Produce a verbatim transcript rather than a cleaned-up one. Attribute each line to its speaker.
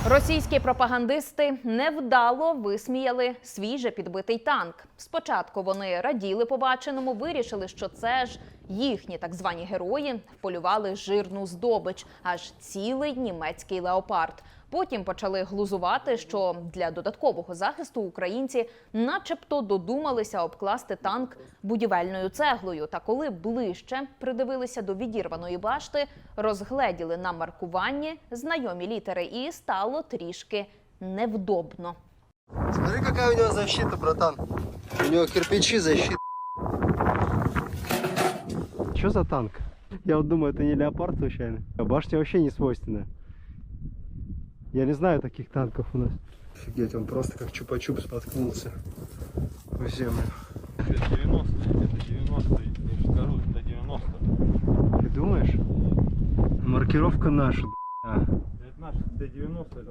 Speaker 1: Російські пропагандисти невдало висміяли свіже підбитий танк. Спочатку вони раділи побаченому, вирішили, що це ж їхні так звані герої вполювали жирну здобич, аж цілий німецький леопард. Потім почали глузувати, що для додаткового захисту українці начебто додумалися обкласти танк будівельною цеглою. Та коли ближче придивилися до відірваної башти, розгледіли на маркуванні знайомі літери і стало трішки невдобно.
Speaker 2: Смотри, какая у него защита, братан. У него кирпичи защита.
Speaker 3: Что за танк? Я вот думаю, это не леопард случайно. А башня вообще не свойственная. Я не знаю таких танков у нас.
Speaker 2: Офигеть, он просто как чупа-чуп споткнулся в землю.
Speaker 4: Это девяностые, это девяностые, я же скажу, это девяностые.
Speaker 3: Ты думаешь? Маркировка наша, б***ь.
Speaker 4: Это наши, это девяностые.